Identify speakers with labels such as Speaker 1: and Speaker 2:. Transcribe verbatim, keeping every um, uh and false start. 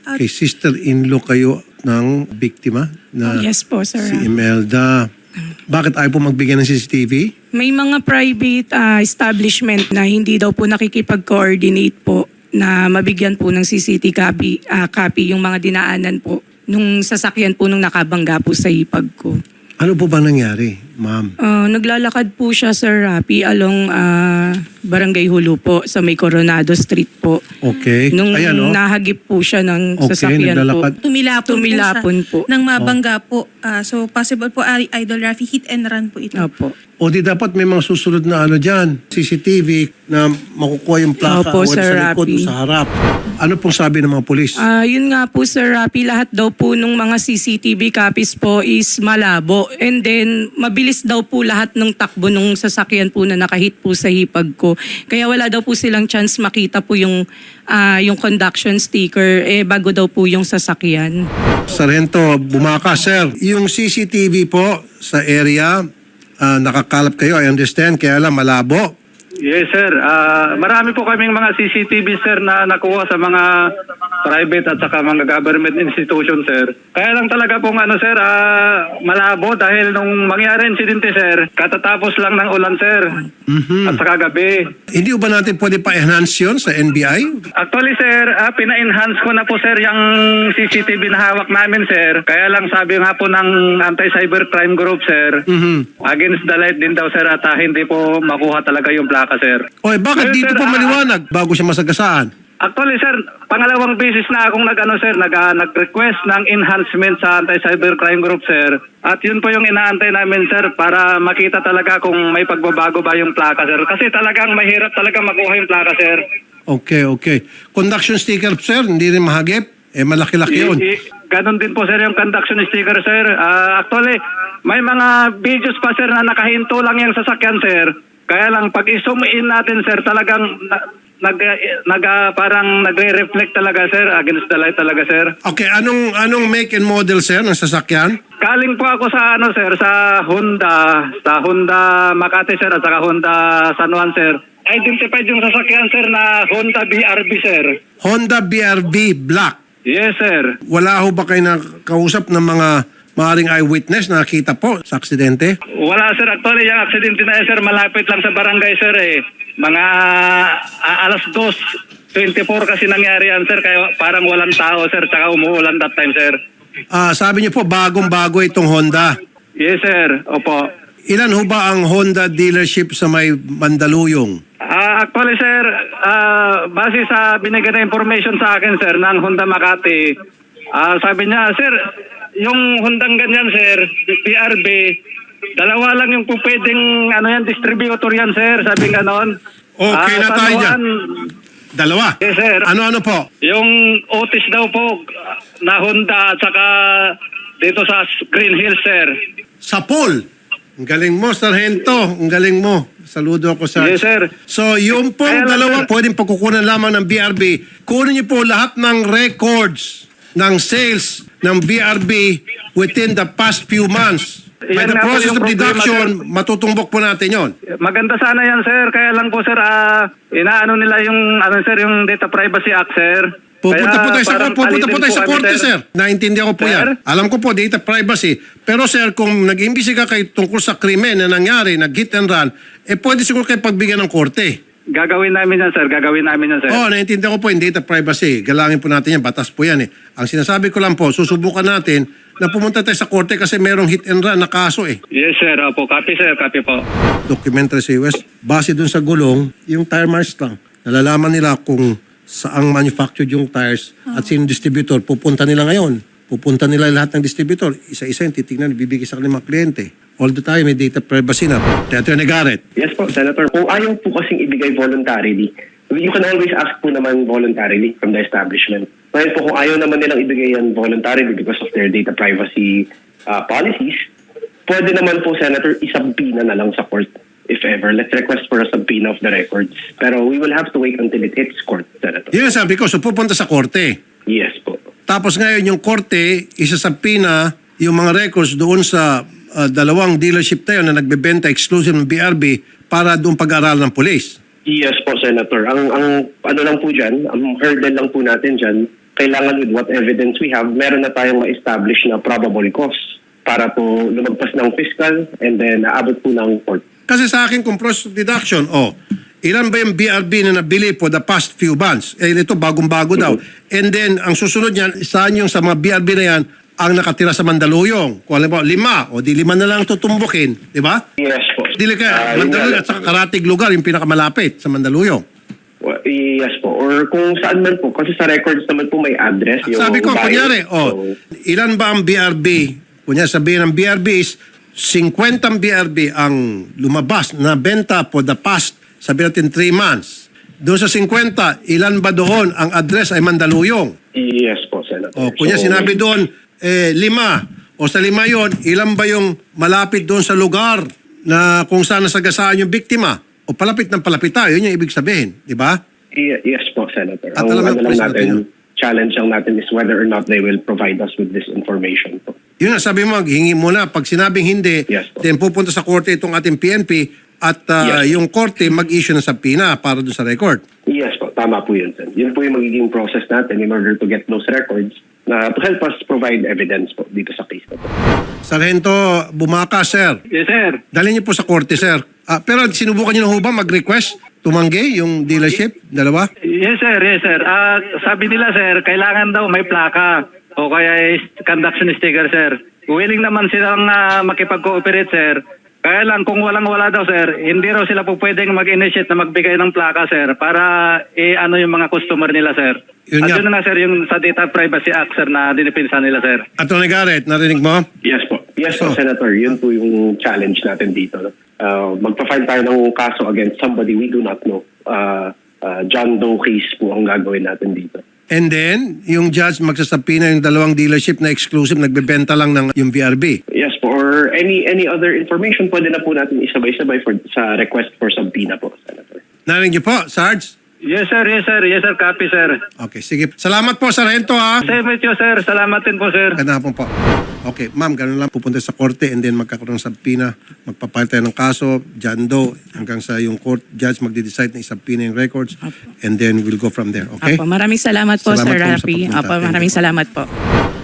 Speaker 1: At-
Speaker 2: kay sister-in-law kayo ng biktima na
Speaker 3: Yes po, Sir
Speaker 2: si
Speaker 3: Rafi.
Speaker 2: Imelda. Bakit ayaw po magbigay ng C C T V?
Speaker 3: May mga private ah, establishment na hindi daw po nakikipag-coordinate po na mabigyan po ng C C T V copy, ah, copy yung mga dinaanan po nung sasakyan po nung nakabangga po sa hipag ko.
Speaker 2: Ano po ba nangyari, ma'am?
Speaker 3: Ah, naglalakad po siya, Sir Rafi, along ah, Barangay Hulu po sa may Coronado Street po.
Speaker 2: Okay.
Speaker 3: Nung
Speaker 2: Ayan, oh.
Speaker 3: nahagip po siya ng
Speaker 2: Okay,
Speaker 3: sasakyan
Speaker 2: naglalakad.
Speaker 3: po.
Speaker 1: Tumilapon,
Speaker 3: Tumilapon po.
Speaker 1: po. Nang mabangga po. Ah, so possible po, ah, Idol Rafi, hit and run po ito.
Speaker 3: Opo.
Speaker 2: O di dapat may mga susunod na ano dyan, C C T V na makukuha yung plaka
Speaker 3: Opo,
Speaker 2: o
Speaker 3: Sir
Speaker 2: sa likod o
Speaker 3: Rafi.
Speaker 2: sa harap. Ano pong sabi ng mga polis?
Speaker 3: Ah, yun nga po, Sir Rafi, lahat daw po nung mga C C T V copies po is malabo. And then, mabilis daw po lahat ng takbo nung sasakyan po na nakahit po sa hipag ko. Kaya wala daw po silang chance makita po yung, ah, yung conduction sticker eh bago daw po yung sasakyan.
Speaker 2: Sargento Bumaka, sir. Yung C C T V po sa area, ah, nakakalap kayo, I understand, kaya lang malabo.
Speaker 4: Yes, sir. Ah, marami po kaming mga C C T V, sir, na nakuha sa mga private at saka mga government institution, sir. Kaya lang talaga pong ano, sir, ah, malabo dahil nung mangyari insidente, sir, katatapos lang ng ulan, sir.
Speaker 2: Mhm.
Speaker 4: At saka gabi.
Speaker 2: Hindi ba natin pwede pa-enhance yun sa N B I?
Speaker 4: Actually, sir, ah, pina-enhance ko na po, sir, yung C C T V na hawak namin, sir. Kaya lang sabi nga po ng Anti-Cybercrime Group, sir,
Speaker 2: Mhm.
Speaker 4: against the light din daw, sir, at ah, hindi po makuha talaga yung plaka, sir.
Speaker 2: Oy, bakit
Speaker 4: Ayun,
Speaker 2: dito
Speaker 4: sir,
Speaker 2: po
Speaker 4: ah,
Speaker 2: maliwanag bago siya masagasaan?
Speaker 4: Actually, sir, pangalawang beses na akong nag-ano, sir, nag, ah, nag-request ng enhancement sa Anti-Cybercrime Group, sir. At yun po yung inaantay namin, sir, para makita talaga kung may pagbabago ba yung plaka, sir. Kasi talagang mahirap talaga makuha yung plaka, sir.
Speaker 2: Okay, okay. Conduction sticker, sir, hindi rin mahagip? Eh, malaki-laki yun.
Speaker 4: I- i- Ganon din po, sir, yung conduction sticker, sir. Ah, actually, may mga videos pa, sir, na nakahinto lang yung sasakyan, sir. Kaya lang, pag i-zoom in natin, sir, talagang na, nag, nag, ah, parang nagre-reflect talaga, sir, against the light talaga, sir.
Speaker 2: Okay, anong anong make and model, sir, ng sasakyan?
Speaker 4: Kaling po ako sa ano sir, sa Honda, sa Honda Makati sir at saka Honda San Juan sir. Identified yung sasakyan sir na Honda B R B sir.
Speaker 2: Honda B R V Black.
Speaker 4: Yes sir.
Speaker 2: Wala ho ba kayo nakausap ng mga maaring eyewitness na nakita po sa aksidente?
Speaker 4: Wala sir, actually yung aksidente na yan sir, malapit lang sa barangay sir eh. Mga ah, alas dos twenty-four kasi nangyari yan sir, kaya parang walang tao sir, tsaka umuulan that time sir.
Speaker 2: Ah, sabi niyo po bagong-bago itong Honda.
Speaker 4: Yes sir, opo.
Speaker 2: Ilan ho ba ang Honda dealership sa may Mandaluyong?
Speaker 4: Ah, actually sir, ah, base sa binigay na information sa akin sir ng Honda Makati, ah, sabi niya, sir, yung Hondang ganyan sir, B R B, dalawa lang yung po pwedeng ano yan, distributor yan sir, sabi ganon.
Speaker 2: Okay
Speaker 4: Ah,
Speaker 2: na
Speaker 4: San
Speaker 2: tayo dyan.
Speaker 4: Juan,
Speaker 2: Dalawa?
Speaker 4: Yes sir.
Speaker 2: Ano-ano po?
Speaker 4: Yung Otis daw po na Honda at saka dito sa Green Hills sir.
Speaker 2: Sa pool. Ang galing mo, Sargento. Ang galing mo. Saludo ako sa...
Speaker 4: Yes sir.
Speaker 2: So, yung pong
Speaker 4: Kaya lang,
Speaker 2: dalawa,
Speaker 4: sir.
Speaker 2: pwedeng pagkukunan lamang ng B R B. Kunin niyo po lahat ng records ng sales ng B R B within the past few months. By
Speaker 4: Yan
Speaker 2: the
Speaker 4: nga po
Speaker 2: process
Speaker 4: yung
Speaker 2: of
Speaker 4: problema,
Speaker 2: deduction,
Speaker 4: sir.
Speaker 2: matutumbok po natin yon.
Speaker 4: Maganda sana yan sir, kaya lang po sir, ah, inaano nila yung ano sir, yung Data Privacy Act sir.
Speaker 2: Pupunta
Speaker 4: Kaya
Speaker 2: po tayo sa,
Speaker 4: parang
Speaker 2: pupunta po
Speaker 4: alitin
Speaker 2: tayo sa
Speaker 4: kami,
Speaker 2: korte, sir. Naintindihan ko po
Speaker 4: Sir?
Speaker 2: yan. Alam ko po, data privacy. Pero sir, kung nag-imbisiga kayo tungkol sa krimen na nangyari, nag-hit and run, eh pwede siguro kayo pagbigyan ng korte.
Speaker 4: Gagawin namin yan sir, gagawin namin yan sir.
Speaker 2: Oo, oh, naintindihan ko po yung data privacy. Galangin po natin yan, batas po yan eh. Ang sinasabi ko lang po, susubukan natin na pumunta tayo sa korte kasi merong hit and run na kaso eh.
Speaker 4: Yes sir, opo, copy sir, copy po.
Speaker 2: Documentary sa U S, base dun sa gulong, yung tire marks lang. Nalalaman nila kung saang manufactured yung tires at sino distributor. Pupunta nila ngayon. Pupunta nila lahat ng distributor. Isa-isa yung titignan, bibigay sa kanilang mga kliyente. All the time, may data privacy na. Attorney Garrett.
Speaker 5: Yes po, Senator. Kung ayaw po kasing ibigay voluntarily, you can always ask po naman voluntarily from the establishment. Ngayon po, kung ayaw naman nilang ibigay yan voluntarily because of their data privacy uh, policies, pwede naman po, Senator, isubpoena na lang sa court. If ever, let's request for a subpoena of the records. Pero we will have to wait until it hits court, Senator.
Speaker 2: Yun ang sabi ko, so pupunta sa korte.
Speaker 5: Yes po.
Speaker 2: Tapos ngayon yung korte, isasabpina yung mga records doon sa uh, dalawang dealership tayo na nagbebenta exclusive ng B R B para doon pag-aaral ng police.
Speaker 5: Yes po, Senator. Ang, ang ano lang po dyan, ang hurdle lang po natin dyan, kailangan with what evidence we have, meron na tayong ma-establish na probable cause para po lumagpas ng fiscal and then naabot po ng court.
Speaker 2: Kasi sa akin, kung process of deduction, oh, ilan ba yung B R B na nabili for the past few months? Eh, ito, bagong-bago daw. And then, ang susunod niyan, saan yung sa mga B R B na yan ang nakatira sa Mandaluyong? Kung alam mo, lima, o di lima na lang tutumbukin, di ba?
Speaker 5: Yes po.
Speaker 2: Dili ka,
Speaker 5: Ah, yun
Speaker 2: Mandaluyong
Speaker 5: nga.
Speaker 2: at saka Karatig lugar, yung pinakamalapit sa Mandaluyong.
Speaker 5: Well, yes po. Or kung saan man po. Kasi sa records naman po may address. Yung
Speaker 2: Sabi ko,
Speaker 5: buyer.
Speaker 2: kunyari, oh,
Speaker 5: So,
Speaker 2: ilan ba ang B R B? Kunyari sabihin ng B R B is fifty B R B ang lumabas na benta for the past, sabihin natin three months. Doon sa fifty, ilan ba doon ang address ay Mandaluyong?
Speaker 5: yes po, Senator.
Speaker 2: O kunya
Speaker 5: So,
Speaker 2: sinabi doon, eh, lima. O sa lima yon, ilan ba yung malapit doon sa lugar na kung saan nasagasaan yung biktima? O palapit ng palapit tayo, yun yung ibig sabihin. Di ba?
Speaker 5: y- yes po, Senator.
Speaker 2: At
Speaker 5: Ang
Speaker 2: alam mo,
Speaker 5: ano lang
Speaker 2: President,
Speaker 5: natin,
Speaker 2: yun.
Speaker 5: challenge lang natin is whether or not they will provide us with this information po.
Speaker 2: Yun nga, sabi mo, hingi muna. Pag sinabing hindi,
Speaker 5: Yes, po.
Speaker 2: then pupunta sa korte itong ating P N P at uh,
Speaker 5: Yes.
Speaker 2: yung korte mag-issue ng subpoena para doon sa record.
Speaker 5: Yes po, tama po yun, Sen. Yun po yung magiging process natin in order to get those records na to help us provide evidence po dito sa case na po.
Speaker 2: Sargento Bumaka, sir.
Speaker 4: Yes, sir.
Speaker 2: Dalhin niyo po sa korte, sir. Ah, pero sinubukan niyo na ho ba mag-request? Tumanggi yung dealership? Dalawa?
Speaker 4: Yes, sir. Yes, sir. Ah, sabi nila, sir, kailangan daw may plaka o kaya is conduction sticker, sir. Willing naman silang uh, makipag-cooperate, sir. Kaya lang, kung walang-wala daw, sir, hindi raw sila po pwedeng mag-initiate na magbigay ng plaka, sir, para i-ano yung mga customer nila, sir.
Speaker 2: Yun
Speaker 4: At
Speaker 2: nga.
Speaker 4: yun na nga, sir, yung sa Data Privacy Act, sir, na dinipinsa nila, sir.
Speaker 2: Attorney Garrett, narinig mo?
Speaker 5: Yes po. Yes po,
Speaker 2: Oh.
Speaker 5: Senator. Yun po yung challenge natin dito. Uh, magpa-file tayo ng kaso against somebody we do not know. Uh, uh, John Doe case po ang gagawin natin dito.
Speaker 2: And then, yung judge magsasabina yung dalawang dealership na exclusive, nagbebenta lang ng yung V R B.
Speaker 5: Yes po. Or any any other information, pwede na po natin isabay-sabay for, sa request for subpoena po, Senator.
Speaker 2: Narinig niyo po, Sarge?
Speaker 4: Yes, sir. Yes, sir. Yes, sir. Copy, sir.
Speaker 2: Okay, sige. Salamat po, Sargento, ha?
Speaker 4: Same with you, sir. Salamat din po, sir.
Speaker 2: Ganda po po. Okay, ma'am, ganun lang. Pupunta sa korte and then magkakaroon ng subpoena. Magpapile tayo ng kaso, John Doe, hanggang sa yung court judge magde-decide na isubpoena yung records. And then we'll go from there, okay?
Speaker 3: Apo, maraming salamat po,
Speaker 2: Salamat
Speaker 3: Sir
Speaker 2: po sa
Speaker 3: Rafi.
Speaker 2: pagpunta.
Speaker 3: Apo,
Speaker 2: Thank you
Speaker 3: maraming
Speaker 2: po.
Speaker 3: salamat po.